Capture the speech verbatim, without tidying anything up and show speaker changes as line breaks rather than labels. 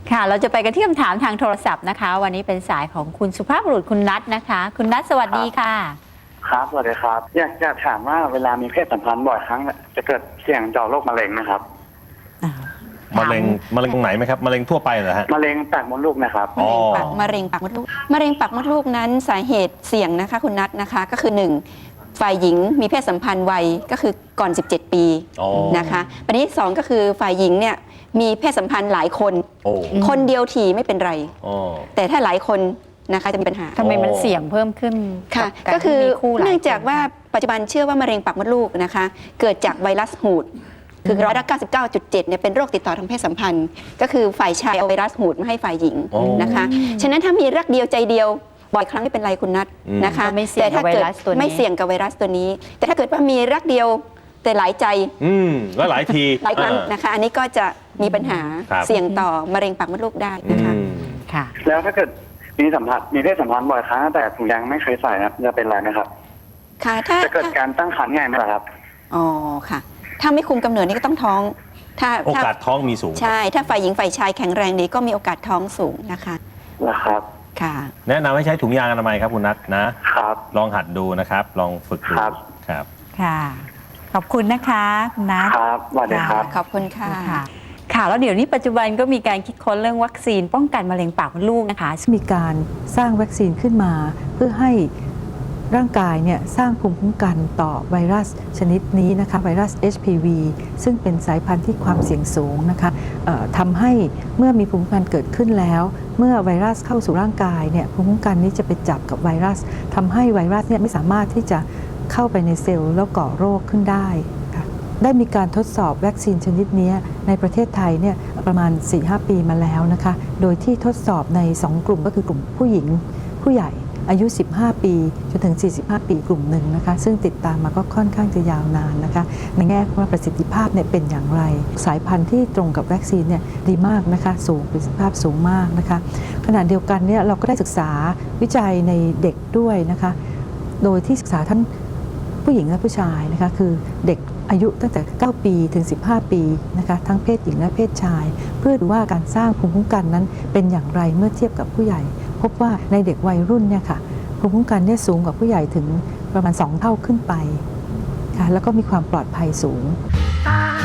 ค่ะเราจะไปกันที่คำถามทางโทรศัพท์นะคะวันนี้เป็นสายของคุณสุภาพบุรุษคุณนัทนะคะคุณนัทสวัสดีค่ะ
ครับสวัสดีครับอยากจะถามว่าเวลามีเพศสัมพันธ์บ่อยครั้งจะเกิดเสี่ยงต่อโรคมะเร็งนะครับ
มะเร็งมะเร็งตรงไหนไหมครับมะเร็งทั่วไปเหรอฮะ
มะเร็งปากมดลูกนะครับ
มะเร็งปากมะเร็งปากมดลูกมะเร็งปากมดลูกนั้นสาเหตุเสี่ยงนะคะคุณนัทนะคะก็คือหนึ่งฝ่ายหญิงมีเพศสัมพันธ์วัยก็คือก่อนสิบเจ็ดปีนะคะประเด็นที่สองก็คือฝ่ายหญิงเนี่ยมีเพศสัมพันธ์หลายคนคนเดียวทีไม่เป็นไรแต่ถ้าหลายคนนะคะจะมีปัญหา
ทำไมมันเสี่ยงเพิ่มขึ้น
ค่ะก็คือเนื่องจากว่าปัจจุบันเชื่อว่ามะเร็งปากมดลูกนะคะเกิดจากไวรัสหูดคือร้อยละเก้าสิบเก้าจุดเจ็ดเนี่ยเป็นโรคติดต่อทางเพศสัมพันธ์ก็คือฝ่ายชายเอาไวรัสหูดมาให้ฝ่ายหญิงนะคะฉะนั้นถ้ามีรักเดียวใจเดียวบ่อยครั้งไม่เป็นไรคุณนัทนะคะแต่ถ้าเกิดไม่เสี่ยงกับไวรัสตัวนี้แต่ถ้าเกิดว่ามีรักเดียวแต่หลายใจ
อืมแล้วหลายที
หลายครั้งนะคะอันนี้ก็จะมีปัญหาเสี่ยงต่อมะเร็งปากมดลูกได้นะคะ
ค่ะ
แล้วถ้าเกิดมีสัมพันธ์มีเพศสัมพันธ์บ่อยครั้งแต่ถุงยางไม่เคยใส่นะจะเป็นไรไหมครับ
ค่ะถ้า
จะเกิดการตั้งครรภ์ง่ายไหมครับ
อ๋อค่ะถ้าไม่คุมกำเนิดนี่ก็ต้องท้องถ้า
โอกาสท้องมีสูง
ใช่ถ้าฝ่ายหญิงฝ่ายชายแข็งแรงดีก็มีโอกาสท้องสูงนะคะ
นะครับ
ค่ะ
แนะนำให้ใช้ถุงยางอนามัยครับคุณนัทนะครับลองหัดดูนะครับลองฝึกดู
ครับ
ครับ
ค่ะขอบคุณนะคะคุณนัท
ครับสวัสดีครับ
ขอบคุณค่ะ
ค่ะแล้วเดี๋ยวนี้ปัจจุบันก็มีการคิดค้นเรื่องวัคซีนป้องกันมะเร็งปากมดลูกนะคะ
มีการสร้างวัคซีนขึ้นมาเพื่อให้ร่างกายเนี่ยสร้างภูมิคุ้มกันต่อไวรัสชนิดนี้นะคะไวรัส เอช พี วี ซึ่งเป็นสายพันธุ์ที่ความเสี่ยงสูงนะคะทำให้เมื่อมีภูมิคุ้มกันเกิดขึ้นแล้วเมื่อไวรัสเข้าสู่ร่างกายเนี่ยภูมิคุ้มกันนี้จะไปจับกับไวรัสทำให้ไวรัสเนี่ยไม่สามารถที่จะเข้าไปในเซลล์แล้วก่อโรคขึ้นได้ได้มีการทดสอบวัคซีนชนิดนี้ในประเทศไทยเนี่ยประมาณ สี่ถึงห้า ปีมาแล้วนะคะโดยที่ทดสอบในสองกลุ่มก็คือกลุ่มผู้หญิงผู้ใหญ่อายุ สิบห้า ปีจนถึง สี่สิบห้า ปีกลุ่มหนึ่งนะคะซึ่งติดตามมาก็ค่อนข้างจะยาวนานนะคะในแง่ว่าประสิทธิภาพเนี่ยเป็นอย่างไรสายพันธุ์ที่ตรงกับวัคซีนเนี่ยดีมากนะคะสูงประสิทธิภาพสูงมากนะคะขณะเดียวกันเนี่ยเราก็ได้ศึกษาวิจัยในเด็กด้วยนะคะโดยที่ศึกษาทั้งผู้หญิงและผู้ชายนะคะคือเด็กอายุตั้งแต่เก้าปีถึงสิบห้าปีนะคะทั้งเพศหญิงและเพศชายเพื่อดูว่าการสร้างภูมิคุ้มกันนั้นเป็นอย่างไรเมื่อเทียบกับผู้ใหญ่พบว่าในเด็กวัยรุ่นเนี่ยค่ะภูมิคุ้มกันเนี่ยสูงกว่าผู้ใหญ่ถึงประมาณสองเท่าขึ้นไปค่ะแล้วก็มีความปลอดภัยสูง